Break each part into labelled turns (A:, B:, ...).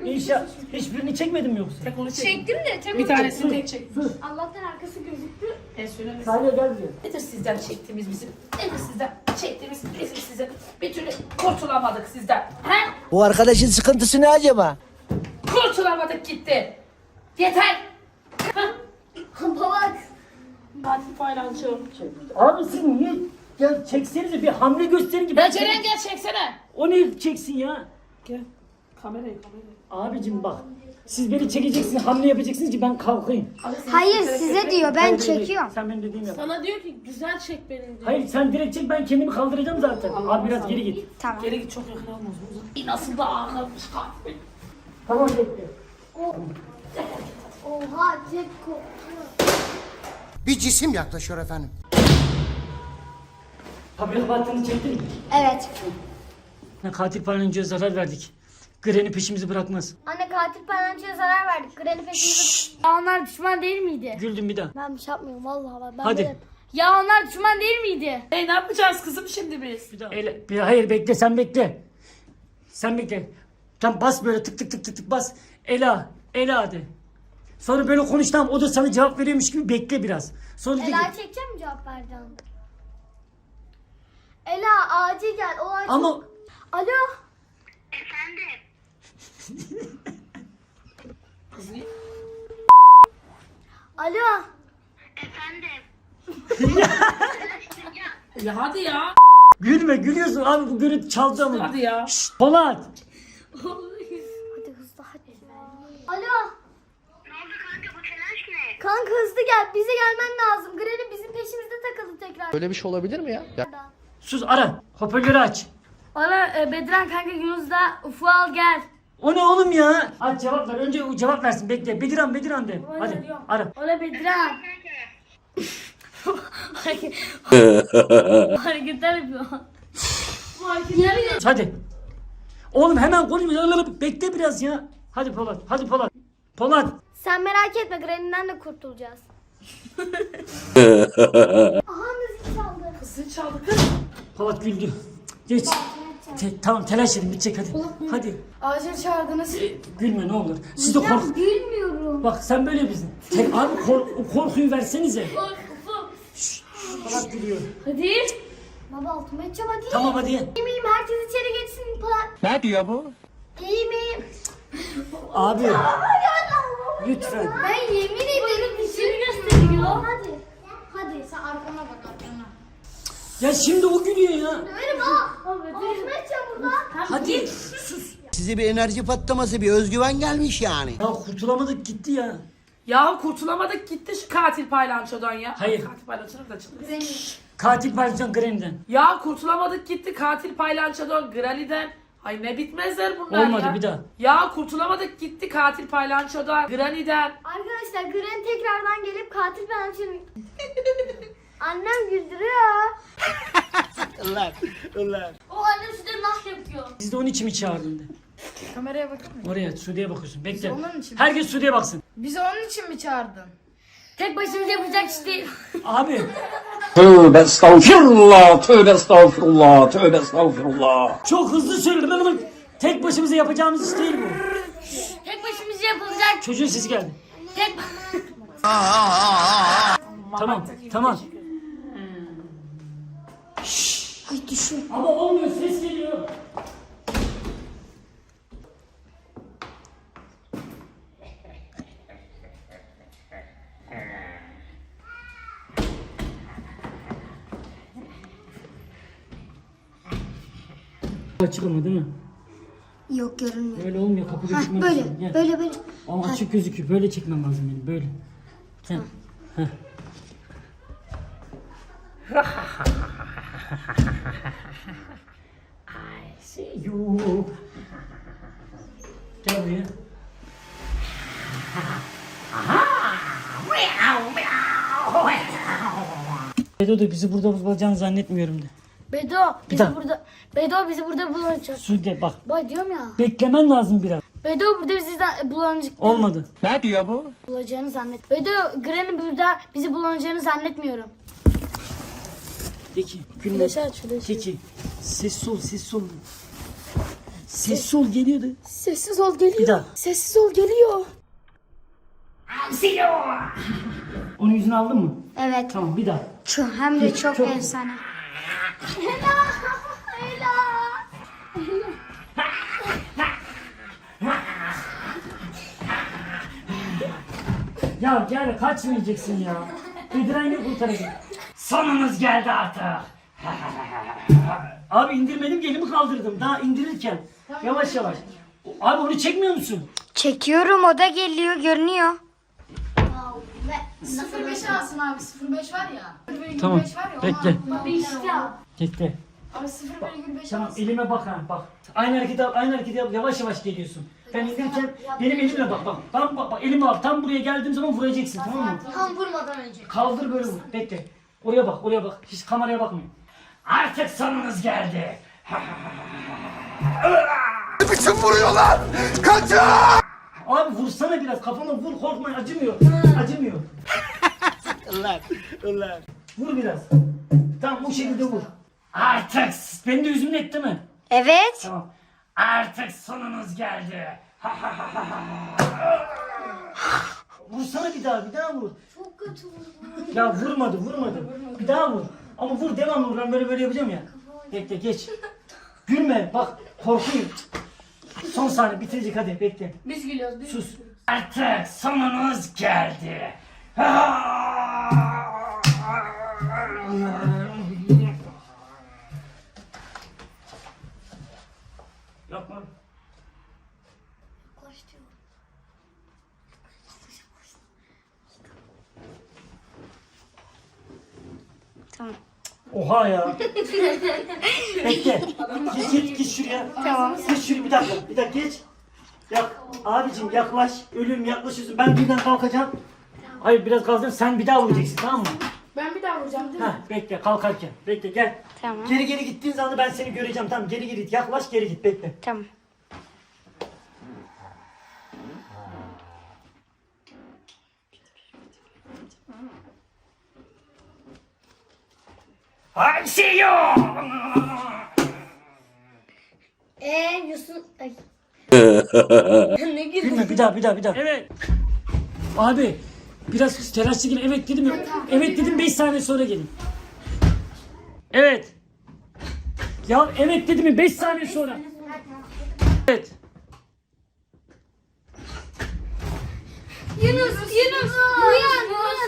A: İnşallah hiçbirini çekmedin mi yoksa?
B: Tek onu çek.
C: Çektim de tek
B: Bir
C: onu
B: tanesini tek çek.
C: Allah'tan arkası gözüktü.
B: Söyle.
A: Salih gel buraya.
B: Nedir sizden çektiğimiz bizim? Nedir sizden çektiğimiz bizim sizin? Bir türlü kurtulamadık sizden. He?
D: Bu arkadaşın sıkıntısı ne acaba?
B: Kurtulamadık gitti. Yeter.
C: Baba.
B: Katil paylaşıyor.
A: Abi siz niye? Ya çeksenize bir hamle gösterin ki.
B: Ben Ceren gel çeksene.
A: O ne çeksin ya?
B: Gel. Kamerayı.
A: Abicim bak. Siz beni çekeceksiniz, hamle yapacaksınız ki ben kalkayım.
C: Hayır size diyor ben
A: Hayır,
C: çekiyorum.
A: Sen benim dediğimi yap.
B: Sana diyor ki güzel çek beni diyor.
A: Hayır sen direkt çek, ben kendimi kaldıracağım zaten. Abi biraz geri git.
C: Tamam.
B: Geri git, çok yakın olmaz. Nasıl da ağırmış katil.
A: Tamam bekle.
C: Oha tek
D: Bir cisim yaklaşıyor efendim.
A: Fabrika battığını çektin mi?
C: Evet.
A: Katil palyaçoya zarar verdik. Granny peşimizi bırakmaz.
C: Anne katil palyaçoya zarar verdik. Granny peşimizi... Ya onlar düşman değil miydi?
A: Güldüm bir daha.
C: Ben bir şey yapmıyorum vallahi bak. Ben
A: Hadi.
C: böyle- Ya onlar düşman değil miydi?
B: Ne yapacağız kızım şimdi biz?
A: Bir daha. Hayır bekle, sen bekle. Sen bekle. Tam bas böyle tık tık tık tık tık bas. Ela de. Sonra böyle konuş, tamam, o da sana cevap veriyormuş gibi bekle biraz. Sonra de ki,
C: Ela çekeceğim mi cevap vereceğim? Ela acil gel. O acil.
A: ama
C: Alo.
B: Kız
C: Alo.
B: ya hadi ya.
A: gülme, gülüyorsun abi, bu görüntü çaldı ama.
B: Hadi ya.
A: Polat.
C: Hadi hızlı hadi. Alo.
E: Ne oldu kanka, bu telaş ne?
C: Kanka hızlı gel. Bize gelmen lazım. Granny bizim peşimizde takıldı tekrar.
D: Böyle bir şey olabilir mi ya?
A: Sus, ara. Hoparlörü aç.
C: Ana Bedran kanka Yunus'da Ufuk al gel.
A: O ne oğlum ya? Aç, cevap ver. Önce o cevap versin. Bekle. Bediran de. Hadi ara.
C: Ola Bedran. Hareketler yapıyor.
A: Hadi. Oğlum hemen konuşma. Bekle biraz ya. Hadi Polat. Hadi Polat. Polat.
C: Sen merak etme Granny'den de kurtulacağız. Aha müzik çaldı.
B: Kızı çaldı kız.
A: Polat güldü. Geç. Tamam, telaş edin, bitecek hadi. Hadi.
C: Acil çağırdınız.
A: Gülme ne olur. Siz de kork.
C: Gülmüyorum.
A: Bak sen böyle misin? Abi o korkuyu versenize. Polat gülüyor.
C: Hadi. Baba altıma edeceğim hadi.
A: Tamam hadi.
C: İyi miyim? Herkes içeri geçsin.
D: Ne diyor bu?
C: İyi miyim?
A: Abi. Lütfen.
C: Ben yemin ederim dişimi gösteriyor. Hadi. Hadi. Sen arkana bak arkana.
A: Ya şimdi o gülüyor ya.
C: Öyle bak. Altıma edeceğim burada.
A: Hadi sus.
D: Size bir enerji patlaması, bir özgüven gelmiş yani.
A: Ya kurtulamadık gitti ya.
B: Ya kurtulamadık gitti şu katil paylançodan ya.
A: Hayır.
B: Katil paylançodan da çıktı.
A: Katil Barcan Granny'den.
B: Ya kurtulamadık gitti katil paylançodan, Granny'den. Ay ne bitmezler bunlar
A: Olmadı,
B: ya.
A: bir daha.
B: Ya kurtulamadık gitti katil paylançodan, Granny'den.
C: Arkadaşlar Granny tekrardan gelip katil pençeni... Annem güldürüyor.
D: Ulan.
C: O annem size nah yapıyor.
A: Biz de onun için mi çağırdın de.
F: Kameraya bakın.
A: Oraya Sude'ye bakıyorsun. Bekle.
F: onun için mi?
A: Herkes Sude'ye baksın.
F: Bizi onun için mi çağırdın?
C: Tek başımıza yapacak iş değil.
A: Abi.
G: Tövbe estağfirullah, tövbe estağfurullah, tövbe estağfurullah.
A: Çok hızlı söyle. Tek başımıza yapacağımız iş değil bu.
C: Tek başımıza yapılacak.
A: Çocuğun sesi geldi.
C: Tek...
A: Tamam.
C: Ay düşün.
A: Ama olmuyor, ses geliyor. Açık ama değil mi?
C: Yok görünmüyor.
A: Böyle olmuyor, kapı gözükmüyor.
C: Böyle,
A: Gel.
C: böyle.
A: Ama açık gözüküyor, böyle çekmem lazım benim, böyle. Gel. Heh. I see you. Gel buraya. Bedo da bizi burada bulacağını zannetmiyorum de.
C: Bedo bizi burada bulacak.
A: Sude bak,
C: Bak diyorum ya.
A: beklemen lazım biraz.
C: Bedo burada bizi bulacak.
A: Olmadı.
D: Ne diyor bu?
C: Bulacağını zannet. Bedo Granny burada bizi bulacağını zannetmiyorum.
A: De ki, gülme.
C: Flaşı aç flaşı.
A: De ki, sessiz ol. Sessiz ol geliyordu.
F: Sessiz ol geliyor.
A: Bir daha.
F: Sessiz ol geliyor.
A: Onun yüzünü aldın mı?
C: Evet.
A: Tamam bir daha.
C: Hem de çok
A: Çok-
C: efsane.
A: Ya gel kaçmayacaksın ya. Bediren'le kurtaracak. Sonunuz geldi artık. Abi indirmedim ki elimi kaldırdım. Daha indirirken. Yavaş yavaş. Abi onu çekmiyor musun?
C: Çekiyorum, o da geliyor, görünüyor.
F: 05 alsın abi. 05 var ya. 0,25
A: Tamam.
F: var ya.
A: Bekle.
F: Ona.
A: Bekle.
F: Abi 0,25
A: Tamam
F: alsın.
A: elime bak ha bak. Aynı hareketi yap, aynı hareketi yap. Yavaş yavaş geliyorsun. Ben indirirken benim elimle bak bak. Tam bak, elimi al. Tam buraya geldiğim zaman vuracaksın tamam mı?
C: Tam vurmadan önce.
A: Kaldır böyle vur. Bekle. Oraya bak, oraya bak. Hiç kameraya bakmayın. Artık sonunuz geldi.
H: Biçim vuruyorlar! Kaçın!
A: Abi vursana biraz. Kafana vur. Korkma. Acımıyor. Acımıyor.
D: Ulan.
A: Vur biraz. Tamam bu şekilde vur. Artık benim de yüzümün etti mi?
C: Evet.
A: Tamam. Artık sonunuz geldi. Vursana bir daha vur.
C: Çok kötü vurdu.
A: Ya vurmadı. Bir daha vur. Ama vur devamlı vur. Ben böyle yapacağım ya. Bekle geç. Gülme bak korkuyum. Son saniye bitirecek hadi bekle.
F: Biz gülüyoruz. Biz
A: Sus. Artık sonunuz geldi. Yapma.
C: Tamam.
A: Oha ya. Bekle. Git şuraya.
C: Tamam.
A: Git şuraya bir dakika geç. Abicim yaklaş. Ölüm yaklaşıyorsun. Ben birden kalkacağım. Hayır biraz kalacağım. Sen bir daha vuracaksın tamam mı?
F: Ben bir daha vuracağım değil mi?
A: Heh, bekle kalkarken. Bekle gel.
C: Tamam.
A: Geri gittiğin zaman ben seni göreceğim. Tamam geri git. Yaklaş geri git. Bekle.
C: Tamam.
A: Hamsiyo!
C: Yusuf... Ay.
A: Gülme bir daha. Evet. Abi biraz telaşlı gelin. Evet dedim ya. Evet dedim 5 saniye sonra gelin. Evet. Ya evet dedim mi 5 saniye sonra. Evet.
C: Yunus, uyan,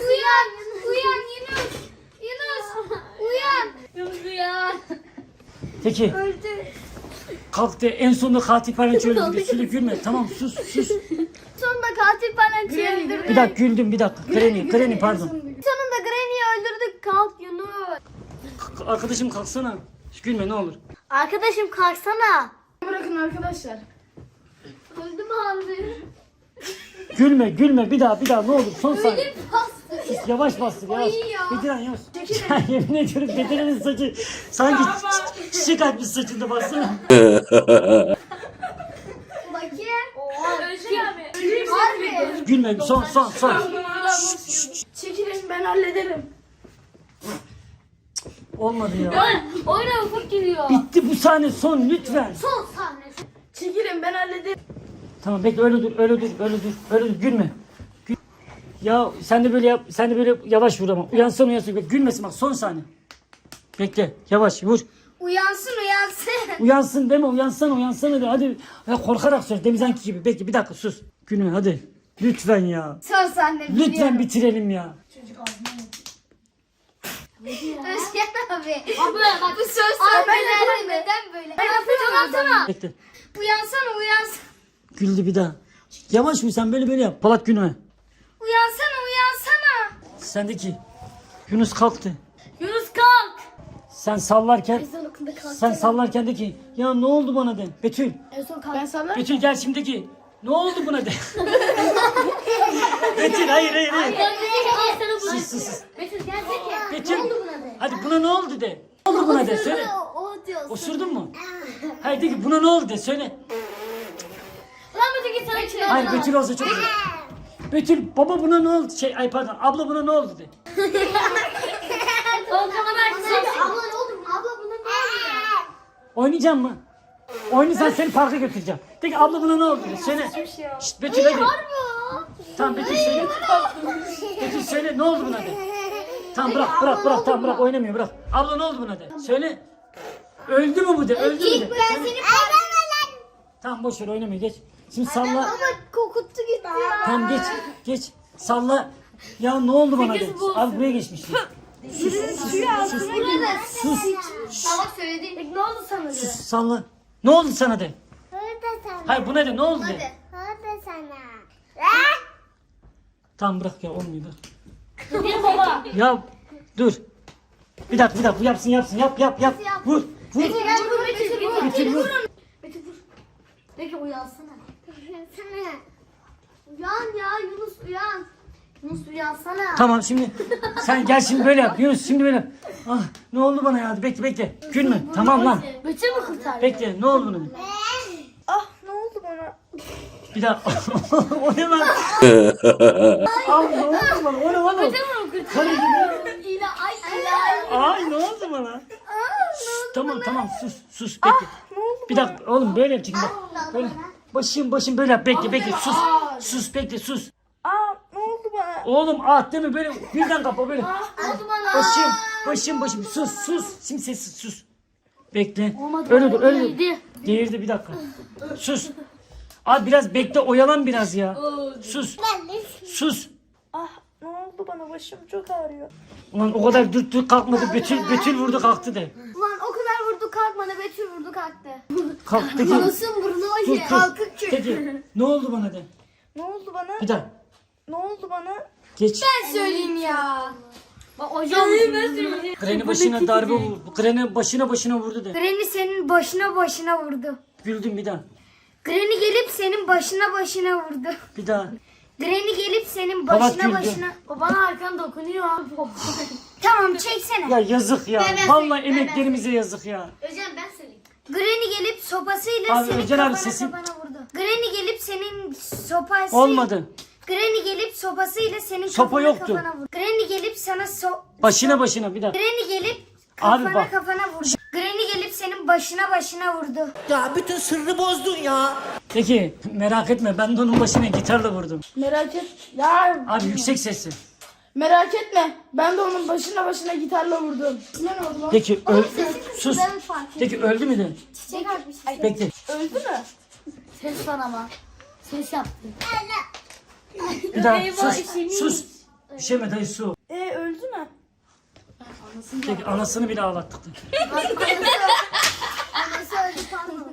C: Yunus, uyan.
A: Peki.
C: Öldü.
A: Kalktı en sonunda katil parançı öldürdü. Şöyle gülme. Tamam sus.
C: Sonunda katil Palanç'ı öldürdük.
A: Bir dakika güldüm bir dakika. Kreni pardon.
C: Sonunda Granny'i öldürdük. Kalk Yunus.
A: Arkadaşım kalksana. Gülme ne olur.
C: Arkadaşım kalksana.
F: Bırakın arkadaşlar.
C: Öldüm abi.
A: Gülme bir daha ne olur. Son saniye.
C: Öldüm bastı.
A: Sus, yavaş bastır yavaş.
C: Ay ya.
A: Bediren yavaş. Ya yemin ediyorum Bediren'in saçı sanki çiçek açmış saçında baksana.
C: Bakayım.
B: Özgür abi.
C: Harbi.
A: Gülme son.
F: Çekilin ben hallederim.
A: Olmadı ya.
C: Oyna ufuk giriyor.
A: Bitti bu sahne son lütfen.
C: Son sahne.
F: Çekilin ben hallederim.
A: Tamam bekle öyle dur gülme. Ya sen de böyle yap, sen de böyle yavaş vur ama. Uyansın. Gülmesin bak son saniye. Bekle yavaş vur.
C: Uyansın.
A: Uyansın deme uyansana de hadi. Ya korkarak söyle Demizanki gibi. Bekle bir dakika sus. Gülme hadi. Lütfen ya.
C: Son sahne.
A: Lütfen bitirelim ya.
C: Özgen abi.
F: Abla bak.
C: Bu söz
F: ben
C: neden böyle? Uyansana.
A: Bekle.
C: Uyansana.
A: Güldü bir daha. Yavaş vur sen böyle yap. Polat gülme.
C: Uyansana.
A: Sendeki. Yunus kalktı.
C: Yunus kalk.
A: Sen sallarken
C: Ezan okundu kalk.
A: sen sallarken de ki ya ne oldu bana de. Betül.
C: En son kalk.
F: Ben sana
A: Betül gel şimdi ki. Ne oldu buna de. Betül hayır. Sus.
C: Betül gelecek ya.
A: Betül.
C: Ne oldu buna de?
A: Hadi buna ne oldu de. Ne oldu buna de söyle.
C: O diyorsun.
A: Osurdun mu? Hayır de ki buna ne oldu de söyle.
C: Lan Betül git sana içine.
A: Hayır Betül olsa çok güzel. Betül baba buna ne oldu? Pardon abla buna ne oldu de.
C: Abla ne oldu? Abla buna ne oldu?
A: Oynayacağım mı? Oynarsan seni parka götüreceğim. De ki abla buna ne oldu? Söyle. Şşt Betül hadi. Tamam Betül söyle. Betül söyle ne oldu buna de. Tamam bırak tamam bırak oynamıyor bırak. Abla ne oldu buna de. Söyle. Öldü mü bu de öldü mü de.
C: Ben seni
A: Tamam boş ver oynamıyor geç. Şimdi salla.
C: ama kokuttu gitti ya.
A: Tamam geç. Salla. Ya ne oldu bana de. Abi buraya geçmiş. Sus.
C: Ama söyledin. Ne oldu sana?
A: Sus salla. Ne oldu sana de.
C: Orada sana.
A: Hayır buna de ne oldu de.
C: Orada sana.
A: Tamam bırak ya olmuyor bırak.
F: Bir baba.
A: Ya dur. Bir dakika bu yapsın yap. Vur. Betül vur.
C: Peki uyansana. Uyansana. Uyan ya Yunus uyan. Yunus uyansana.
A: Tamam şimdi sen gel şimdi böyle yap. Yunus şimdi böyle yap. Ah ne oldu bana ya? Bekle. Gülme. Tamam lan.
C: Bütün mü kurtar?
A: Bekle. Ne oldu bana?
F: Ah ne oldu bana?
A: Bir daha. O ne lan? Ay ne oldu bana? O ne oğlum? Karı gibi.
C: İla ay.
A: Ay ne oldu bana? Şşt, tamam sus bekle. Bir dakika oğlum böyle yapacaksın bak. Böyle. Başım böyle yap. Bekle. Sus bekle.
F: Aa ne oldu bana?
A: Oğlum değil mi böyle birden kapa böyle.
C: Oldu bana.
A: Başım. Sus. Şimdi sessiz sus. Bekle. Öyle dur. Geğirdi bir dakika. Sus. Abi biraz bekle oyalan biraz ya. Sus.
F: Ah ne oldu bana? Başım çok ağrıyor.
A: Ulan o kadar dürttü kalkmadı. Betül vurdu kalktı de.
C: Ulan o kadar vurdu kalkmadı. Betül vurdu kalktı.
A: Kalktı ki.
C: Anasın burnu
A: Dur.
C: hoca. Kalkıp çık.
A: Peki ne oldu bana de.
F: Ne oldu bana?
A: Bir daha.
F: Ne oldu bana?
A: Geç.
C: Ben söyleyeyim ya. Bak hocam.
A: Granny başına darbe vurdu. Granny başına vurdu de.
C: Granny senin başına vurdu.
A: Güldüm bir daha.
C: Granny gelip senin başına vurdu.
A: Bir daha.
C: Granny gelip senin
A: Polat güldü.
C: O bana arkan dokunuyor. Tamam çeksene.
A: Ya yazık ya.
C: Ben
A: Vallahi
C: söyleyeyim,
A: emeklerimize yazık ya.
C: Özcan ben söyleyeyim. Granny gelip sopasıyla
A: Abi,
C: senin
A: Özcan abi
C: kafana
A: sesin-
C: vurdu. Granny gelip senin sopasıyla...
A: Olmadı.
C: Granny gelip sopasıyla senin
A: Sopa yoktu.
C: kafana vurdu. Granny gelip sana
A: Başına bir daha.
C: Granny gelip
A: Abi bak.
C: kafana vurdu. Granny gelip senin başına vurdu.
D: Ya bütün sırrı bozdun ya.
A: Peki merak etme ben de onun başına gitarla vurdum.
F: Merak et. Ya
A: Abi yüksek sesli.
F: merak etme. Ben de onun başına gitarla vurdum. Ne oldu lan?
A: Peki sus.
C: Ben fark ettim.
A: Peki öldü mü de?
C: Çiçek atmış.
A: Bekle.
F: Öldü mü?
C: Ses var ama. Ses yaptı.
A: Bir daha sus. Bir şey mi dayı su.
F: Öldü mü?
A: Peki anasını bile ağlattık. da.
C: Anası öldü pardon.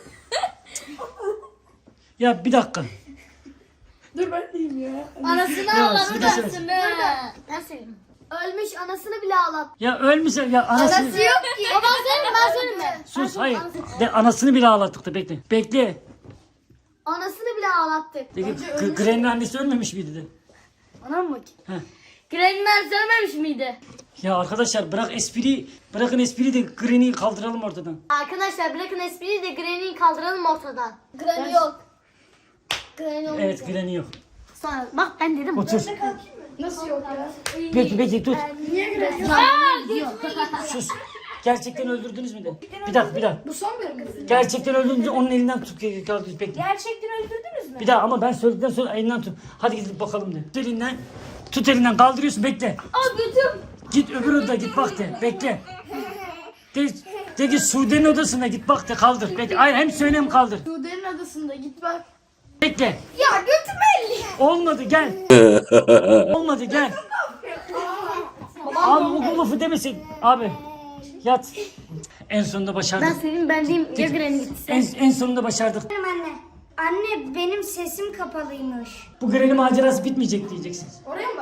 A: Ya bir dakika.
F: Dur ben diyeyim ya.
C: Anasını
A: Ya,
C: ağladı
A: söyle,
C: da.
A: söyle.
C: Ben söyleyeyim. Ölmüş anasını bile ağlattı.
A: Ya ölmüş ya anasını.
C: Yok ki. Ben söyleyeyim mi?
A: Sus hayır. De anasını bile ağlattık da bekle. Bekle.
C: Anasını bile ağlattık.
A: Peki Granny'nin annesi ölmemiş miydi de?
C: Anam mı?
A: He.
C: Granny'ler söylememiş miydi?
A: Ya arkadaşlar bırakın espriyi de Granny'yi kaldıralım ortadan.
C: Arkadaşlar bırakın espriyi de Granny'yi kaldıralım ortadan. Granny yok. Granny yok.
A: Evet Granny yok.
C: Sonra bak ben dedim.
A: Otur.
F: Nasıl yok ya?
A: Bekle tut.
C: Yok.
A: Sus. Gerçekten öldürdünüz mü de? Bir dakika.
F: Bu son bölüm mü?
A: Gerçekten öldürdünüz onun elinden tut. Bekle.
F: Gerçekten öldürdünüz mü?
A: Bir daha ama ben söyledikten sonra elinden tut. Hadi gidip bakalım de. Tut elinden kaldırıyorsun bekle.
C: Aa götüm.
A: Git öbür odaya git bak de. Bekle. De ki Sude'nin odasına git bak de kaldır. Bekle. Hayır hem söyle hem kaldır.
F: Sude'nin adasında git bak.
A: Bekle.
C: Ya götüm elli.
A: Olmadı gel. Olmadı gel. Abi bu lafı demesin. Abi yat. En sonunda başardık.
C: Ben söyleyeyim ben diyeyim ya Granny gitti.
A: En sonunda başardık.
C: Anne. Anne benim sesim kapalıymış.
A: Bu Granny macerası bitmeyecek diyeceksiniz.
F: Oraya mı